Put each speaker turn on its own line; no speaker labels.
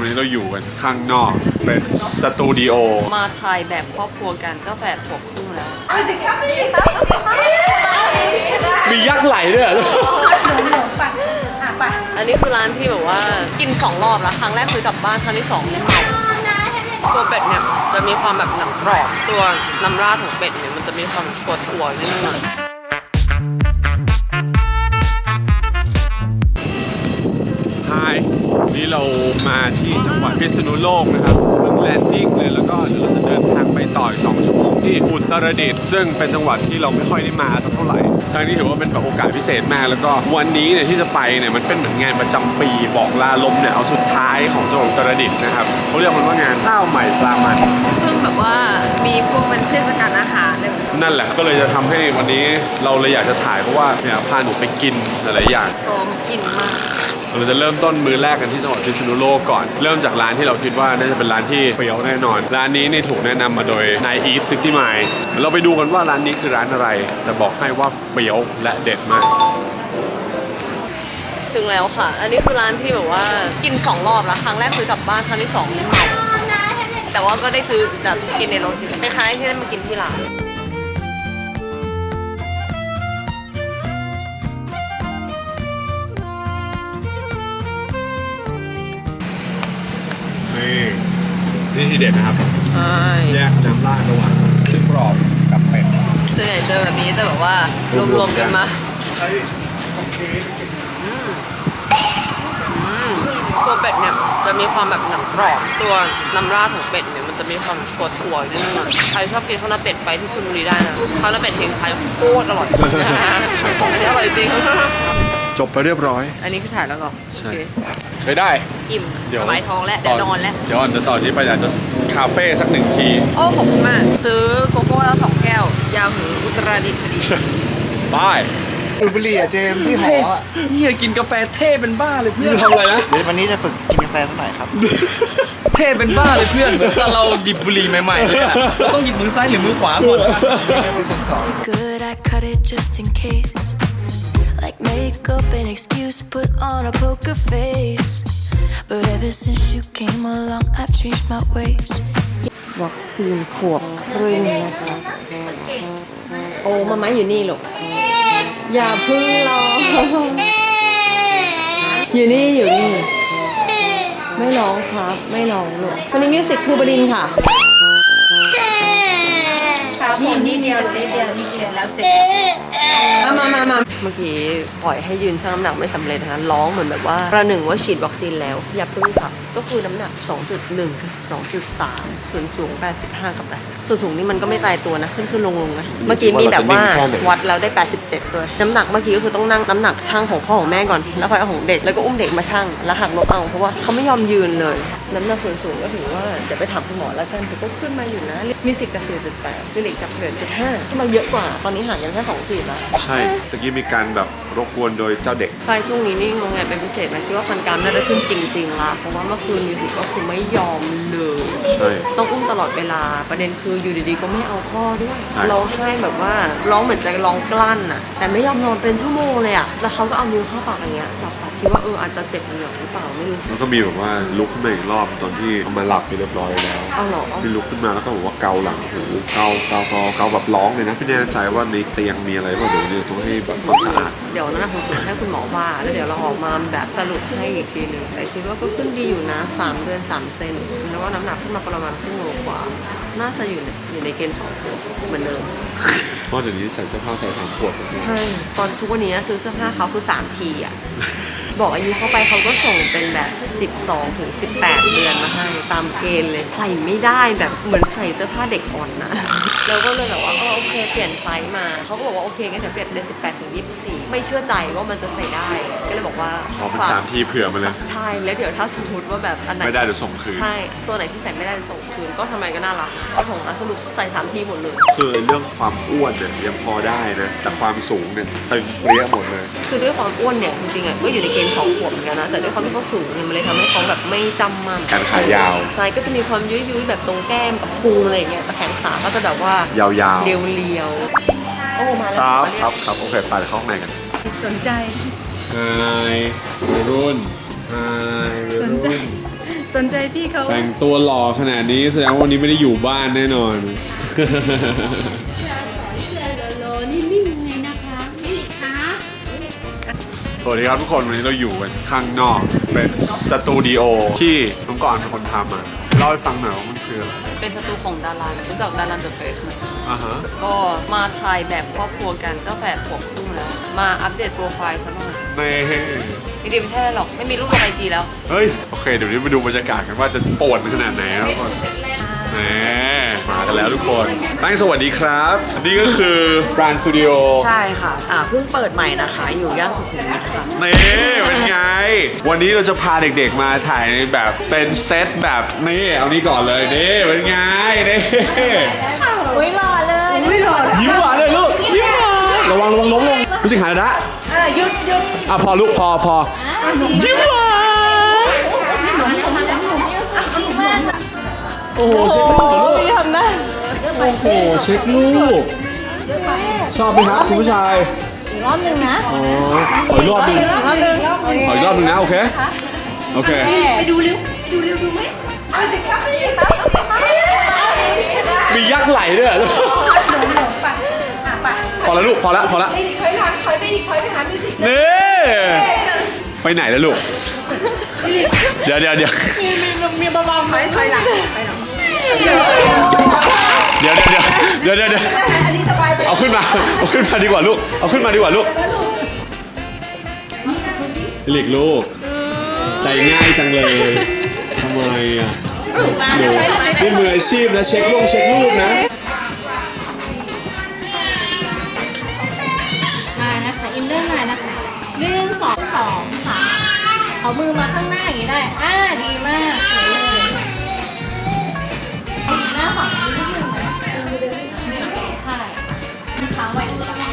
วันนี้เราอยู่กันข้างนอกเป็นสตูดิโอ
มาถ่ายแบบครอบครัวกันก็แฝดขวบครึ่งแล้ว
มียักษ์ไหลด้วยเหรอ
อันนี้คือร้านที่แบบว่ากิน2 รอบแล้วครั้งแรกคือกลับบ้านครั้งที่2เนี่ยตัวเป็ดเนี่ยจะมีความแบบหนังกรอบตัวน้ำราดของเป็ดเนี่ยมันจะมีความถั่วนิดนึง
นี่เรามาที่จังหวัดพิษณุโลกนะครับเพิ่งแลนดิ้งเลยแล้วก็เดี๋ยวเราจะเดินทางไปต่ออีก2 ชั่วโมงที่อุตรดิตถ์ซึ่งเป็นจังหวัดที่เราไม่ค่อยได้มาสักเท่าไหร่ครั้งนี้ถือว่าเป็นแบบโอกาสพิเศษมากแล้วก็วันนี้เนี่ยที่จะไปเนี่ยมันเป็นเหมือนงานประจำปีบอกลาลมเนี่ยเอาสุดท้ายของจังหวัดอุตรดิตถ์นะครับเขาเรียกมันว่างานข้าวใหม่ปลามัน
ซึ่งแบบว่ามีพวกเป็นเทศกาลอาหารเลย
นั่นแหละก็เลยจะทำให้วันนี้เราเลยอยากจะถ่ายเพราะว่าเนี่ยพาหนูไปกินหลายๆอย่าง
พร้อมกินมาก
เราจะเริ่มต้นมื้อแรกกันที่จังหวัดพิษณุโลกก่อนเริ่มจากร้านที่เราคิดว่าน่าจะเป็นร้านที่เฟี้ยวแน่นอนร้านนี้นี่ถูกแนะนำมาโดยนายอีทซิตี้ไมล์เราไปดูกันว่าร้านนี้คือร้านอะไรแต่บอกให้ว่าเฟี้ยวและเด็ดมาก
ถึงแล้วค่ะอันนี้คือร้านที่แบบว่ากิน2 รอบแล้วครั้งแรกคือกลับบ้านครั้งที่2เนี่ยแต่ว่าก็ได้ซื้อแบบกินในรถคล้ายๆที่ได้มากินที่ร้าน
นี่ทีเด็ดนะครับแยกน้ำราดระหว่างชิ้นกรอบกับเป็ด
ส่วนใหญ่เจอแบบนี้แต่แบบว่ารวมๆกันมาตัวเป็ดเนี่ยจะมีความแบบหนังกรอบตัวน้ำราดของเป็ดเนี่ยมันจะมีความถั่วนิดนึงใครชอบกินข้าวหน้าเป็ดไปที่ชลบุรีได้นะข้าวหน้าเป็ดเฮงชัยโคตรอร่อยอันนี้อร่อยจริง
จบไปเรียบร้อย
อันนี้คือถ่ายแล้วเหรอ
ใช่ใช้ได้
อิ่มสบายท้องแล้วเดี๋ยวนอนแล้ว
เดี๋ยวจะต่อที่ไปอยากจะคาเฟ่สัก1 ที
โอ้ขอบคุณมากซื้อโกโก้แล้ว2 แก้วยาวถึงอุตรดิตถ์พอดี
บาย
ดูบุหรี่อะเจมที่หอ
เฮียกินกาแฟเท่เป็นบ้าเลยเพื่อน
ทำอะไรนะ
เดี๋ยววันนี้จะฝึกกินกาแฟสักหน่อยครับ
เท่เป็นบ้าเลยเพื่อนเหมือนตอนเราหยิบบุหรี่ใหม่ๆเลยอะเราต้องหยิบมือซ้ายหรือมือขวาก่อน
Like make up an excuse, put on a poker face. But ever since you came along, I've changed my ways.
วัคซีนขวบครึ่งนะคะโอ้มาอยู่นี่ลูกอย่าพึ่งรออยู่นี่ไม่ร้องครับไม่ร้องลูกวันนี้มิวสิกครูบดินค่ะนี่เดียวเสร็จแล้วเสร็จมาเมื่อกี้ปล่อยให้ยืนชั่งน้ำหนักไม่สำเร็จนะคะร้องเหมือนแบบว่าประหนึ่งว่าฉีดวัคซีนแล้วอย่าพึ่งค่ะก็คือน้ำหนัก 2.1 ถึง 2.3 ส่วนสูง 85 กับ 80ส่วนสูงนี่มันก็ไม่ตายตัวนะขึ้นลงนะเมื่อกี้มีแบบว่าวัดแล้วได้ 87ด้วยน้ำหนักเมื่อกี้ก็คือต้องนั่งน้ำหนักช่างของพ่อของแม่ก่อนแล้วค่อยเอาของเด็กแล้วก็อุ้มเด็กมาช่างแล้วหักลบเอาเพราะว่าเขาไม่ยอมยืนเลยน้ำหนักส่วนสูงก็ถือว่าเดี๋ยวไปถามคุณหมอแล้วกันแต่ก็ขึ้นมาอยู่นะมีสิทธิ์จาก 4.8 ฟิลิกจาก 1.5 ขึ้นมาเยอะกว่าตอนนี้ห่างกันแค่2 ขีดแล้ว
ใช่ตะกี้มีการแบบรบกวนโดยเจ้าเด็ก
ใช่ช่วงนี้นี่งงไงเป็นพิเศษนะคิดว่าฟันกรามน่าจะขึ้นจริงๆละเพราะว่าเมื่อคืนมิวสิกก็คือไม่ยอมเลย
ใช่
ต้องอุ้มตลอดเวลาประเด็นคืออยู่ดีๆก็ไม่เอาพ่อด้วยร้องไห้แบบว่าร้องเหมือนจะร้องกลั้นอ่ะแต่ไม่ยอมนอนเป็นชั่วโมงเลยอ่ะแล้วเขาก็เอานิ้วเข้าปากอย่างเงี้ยจับคิดว่าอาจจะเจ็บเหนือหรือเปล่าไม่รู้
แล้วก็มีแบบว่าลุกขึ้นมาอีกรอบตอนที่เอามาหลับไปเรียบร้อยแล้ว
เอาหรอ
มีลุกขึ้นมาแล้วก็บอกว่าเกาหลังหูเกาแบบร้องเลยนะไม่แน่ใจว่าในเตียงมีอะไรบ้างเดี๋ยวต้องให้แบบความสะอาด
เดี๋ยวนั้นผมจะให้คุณหมอว่าแล้วเดี๋ยวเราออกมาแบบสรุปให้อีกทีนึงแต่คิดว่าก็ขึ้นดีอยู่นะ3 เดือน 3 เซนแล้วก็น้ำหนักขึ้นมาประมาณครึ่งโลกว่าน่าจะอยู่ในเกณฑ์2 ขวบเหมือนเดิม
เพราะเดี๋ยวนี้ใส่เสื้อผ้าใส่3 ขวบ
ใช่ตอนทุกวันนี้ซื้อเสื้อผ้าเขาคือ3 ทีอ่ะบอกอายุเข้าไปเขาก็ส่งเป็นแบบ12 ถึง 18 เดือนมาให้ตามเกณฑ์เลยใส่ไม่ได้แบบเหมือนใส่เสื้อผ้าเด็กอ่อนนะเราก็เลยแบบว่าโอเคเปลี่ยนไซส์มาเขาก็บอกว่าโอเคงั้นเดี๋ยวเปลี่ยนเป็น18 ถึง 24ไม่เชื่อใจว่ามันจะใส่ได้ก็เลยบอกว่า
ขอเป็น3 ทีเผื่อมาเลย
ใช่แล้วเดี๋ยวถ้าสมมติว่าแบบอันไหน
ไม่ได้เดี๋ยวส่งคืน
ใช่ตัวไหนที่ใส่ไม่ได้ส่งคืนก็ทำไมก็น่ารักก็ส่งสรุปใส่3 ทีหมดเลย
คือเรื่องความอ้วนเนี่ยยังพอได้นะแต่ความสูงเนี่ยตึงเปรี้ยหมดเลย
คือด้วยความอ้วนเนี่ยจริงๆก็อยู่ในเกณฑ์2 ขวบเหมือนกันนะแต่ด้วยความที่เขาสูงเนี่ยมันเลยทำให้เขาแบบไม่จำมั่น
การขายาว
ใช่ก็จะมีความยุ้ยๆแบบตรงแก้มกับพุงอะไรอย่างเงี้ยแต่แขนขาก็จะแบบว่าย
าว
ๆเรียวๆโอ้มาแล้ว
ครับโอเคไปเข้าข้างในกัน
สนใจ
ไฮรุ่น
สนใจสนใจพี่เขา
แต่งตัวหล่อขนาดนี้แสดงว่าวันนี้ไม่ได้อยู่บ้านแน่นอน สวัสดีครับทุกคนวันนี้เราอยู่กันข้างนอกเป็นสตูดิโอที่น้องก่อนเป็นคนทำมาเล่าให้ฟังหน่อยว่ามันคืออะไร
เป็นสตูของดารารู้จักดาราเดอะเฟสไหม
อ่าฮะ
ก็มาถ่ายแบบครอบครัวกันก็8 ขวบครึ่งแล้ว มาอัปเดตโปรไฟล์ซะหน่อย
ใน
จริงๆไม่ใช่หรอกไม่มีรูปลงไอจีแล้ว
เฮ้ยโอเคเดี๋ยวนี้มาดูบรรยากาศกันว่าจะปวดขนาดไหนครับทุกคนแหมมากันแล้วทุกคนตั้งสวัสดีครับนี่ก็คือ Brand Studio
ใช่ค่ะเพิ่งเปิดใหม่นะคะ อยู่ย่านสุขุมวิทค่ะ
นี่เป็นไง วันนี้เราจะพาเด็กๆมาถ่ายในแบบเป็นเซตแบบนี่เอานี้ก่อนเลยนี่เป็นไงนี่
อุ้ยหล่อเลยอุ้ยหล่อ
ยิ้มหวานเลยลูกยิ้มหวานระวังล้มลงรู้สึกหายแล้วนะ
หยุด
พอลูกพอยิ้มหวานโอ้โหเช็คลูก
พี่ทำได้
โอ้โหเช็คลูกชอบไหมครับคุณผู้ชาย
อีกรอบหนึ่งนะ
อ๋อขออีกรอบหนึง
อีกรอบหนึ่ง
ขออีกรอบหนึงนะโอเคโอเค
ไปดูเร็วดูไหมเอาสิครับนี่ครับ
มียักษ์ไหลด้วยเหรอพอแล้วลูกพอแล้ว
ถอยหลังถอยไปอีกถอยไปหามิวสิก
นี่ไปไหนแล้วลูกเดี๋ยว
มีเบาๆไหมถอยหลัง
เดี๋ยว
อันนี้สบายไป
เอาขึ้นมาดีกว่าลูกเอาขึ้นมาดีกว่าลูกหลีกลูกใจง่ายจังเลยทำไมอ่ะหนูนี่มืออาชีพนะเช็คลูกนะ
มานะคะอินเนอร์มานะคะ1 2 2ค่ะเอามือมาข้างหน้าอย่างนี้ได้ดีมากสวยเลยหน้าฝั่งนี้นิดนึงนะใช่มีเท้าไว้ตรงนี้